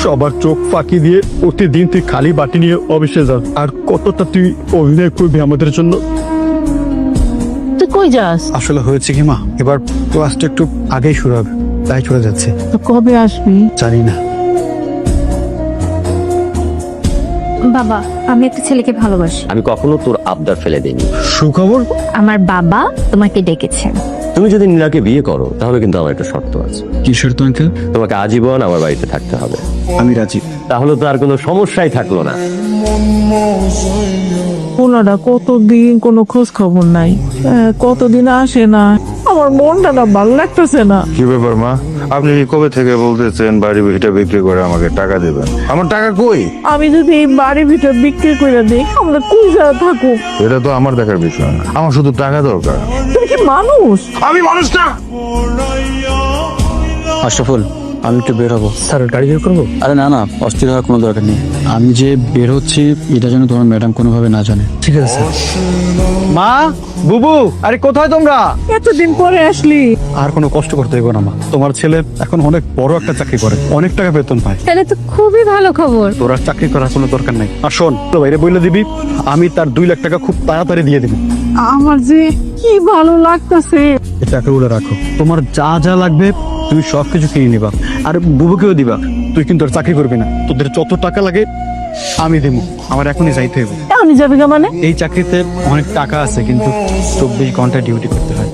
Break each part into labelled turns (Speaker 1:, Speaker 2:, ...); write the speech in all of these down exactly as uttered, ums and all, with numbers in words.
Speaker 1: সবার চোখ ফাঁকি দিয়ে প্রতিদিন তুই খালি বাটি নিয়ে অফিসে যাস, আর কতটা তুই অভিনয় করবি আমাদের জন্য।
Speaker 2: তুই কই যাস?
Speaker 1: আসলে হয়েছে কি মা, এবার ক্লাসটা একটু আগেই শুরু হবে, তাই চলে যাচ্ছে।
Speaker 2: তো কবে আসবি?
Speaker 1: জানি না।
Speaker 3: বাবা, আমি একটা ছেলেকে ভালোবাসি।
Speaker 4: আমি কখনো তোর আবদার ফেলে দিইনি।
Speaker 1: সুখবর?
Speaker 3: আমার বাবা তোমাকে ডেকেছেন।
Speaker 4: তুমি যদি নীলাকে বিয়ে করো তাহলে কিন্তু আমার একটা শর্ত আছে।
Speaker 1: কি শর্ত আঙ্কেল?
Speaker 4: তোমাকে আজীবন আমার বাড়িতে থাকতে হবে।
Speaker 1: আমি রাজি।
Speaker 4: তাহলে তো আর কোনো সমস্যাই থাকলো না।
Speaker 2: ওনারা কতদিন কোনো খোঁজ খবর নাই, আহ, কতদিন আসে না। আমার মনটা না ভালো লাগতেছে না।
Speaker 5: কি ব্যাপার মা, আপনি কবে থেকে বলতেছেন বাড়ি ভিটা বিক্রি করে আমাকে টাকা দিবেন? আমার টাকা কই?
Speaker 2: আমি যদি এই বাড়ির ভিতর বিক্রি করে দিই, আমরা কই যা থাকুক?
Speaker 5: এটা তো আমার দেখার বিষয় না, আমার শুধু টাকা দরকার।
Speaker 2: তুমি কি মানুষ?
Speaker 5: আমি মানুষ না।
Speaker 6: আশরাফুল, আমি একটু বের হবো।
Speaker 1: স্যার গাড়ি বের করবো?
Speaker 6: আরে না না, অস্থির হওয়ার কোনো দরকার নেই। আমি যে বের হচ্ছি এটা যেন তোমার ম্যাডাম কোনোভাবে না জানে।
Speaker 1: ঠিক আছে স্যার। মা, বুবু, আরে কোথায় তোমরা?
Speaker 2: এতদিন পরে আসলি।
Speaker 1: আর কোনো কষ্ট করতে হবে না মা, তোমার ছেলে এখন অনেক বড় একটা চাকরি করে, অনেক টাকা বেতন পায়।
Speaker 3: তাহলে তো খুবই ভালো খবর।
Speaker 1: তোর আর চাকরি করার কোনো দরকার নাই। আর শোন, তো বাইরে বলে দিবি আমি তার দুই লাখ টাকা খুব তাড়াতাড়ি দিয়ে দিবি।
Speaker 2: আমার যে কি ভালো লাগতেছে।
Speaker 1: এই টাকাগুলো রাখো, তোমার যা যা লাগবে তুমি সবকিছু কিনে নিবা, আর বুবুকেও দিবা। তুই কিন্তু আর চাকরি করবি না, তোদের যত টাকা লাগে আমি দেবো। আমার এখনই যাইতে হবে।
Speaker 2: আমি যাবি গা মানে?
Speaker 1: এই চাকরিতে অনেক টাকা আছে, কিন্তু চব্বিশ ঘন্টা ডিউটি করতে হয়।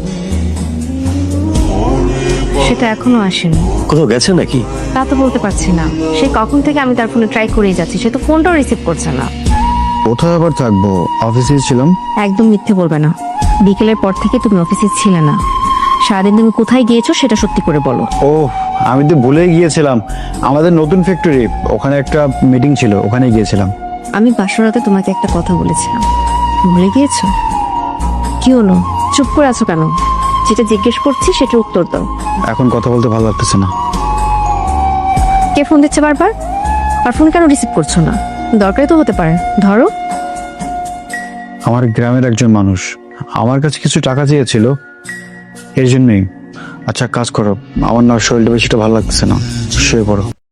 Speaker 3: সেটা এখনো আসেনি।
Speaker 4: কোথাও গেছে নাকি?
Speaker 3: তা তো বলতে পারছি না। সে কখন থেকে আমি তার ফোনে ট্রাই করেই যাচ্ছি, সে তো ফোনটাও রিসিভ করছে না।
Speaker 6: কোথায় আবার থাকবো? অফিসে ছিলাম।
Speaker 3: একদম মিথ্যে বলবে না। বিকেলের পর থেকে তুমি অফিসে ছিলে না। সারাদিন তুমি কোথায় গিয়েছো সেটা সত্যি করে বলো।
Speaker 6: ও, আমি তো ভুলেই গিয়েছিলাম, আমাদের নতুন ফ্যাক্টরি, ওখানে একটা মিটিং ছিল, ওখানে গিয়েছিলাম।
Speaker 3: আমি বাসরাতে তোমাকে একটা কথা বলেছিলাম, ভুলে গিয়েছো? কি হলো, চুপ করে আছো কেন? যেটা জিজ্ঞেস করছি সেটার উত্তর দাও।
Speaker 6: এখন কথা বলতে ভালো লাগতেছে না।
Speaker 3: কে ফোন দিচ্ছে বারবার? আর ফোন কেন রিসিভ করছো না? দরকারই তো হতে পারে, ধরো।
Speaker 6: আমার গ্রামের একজন মানুষ আমার কাছে কিছু টাকা চেয়েছিল, এর জন্যই। আচ্ছা কাজ করো, আমার না শরীরটা বেশিটা ভালো লাগতেছে না, শুয়ে পড়ো।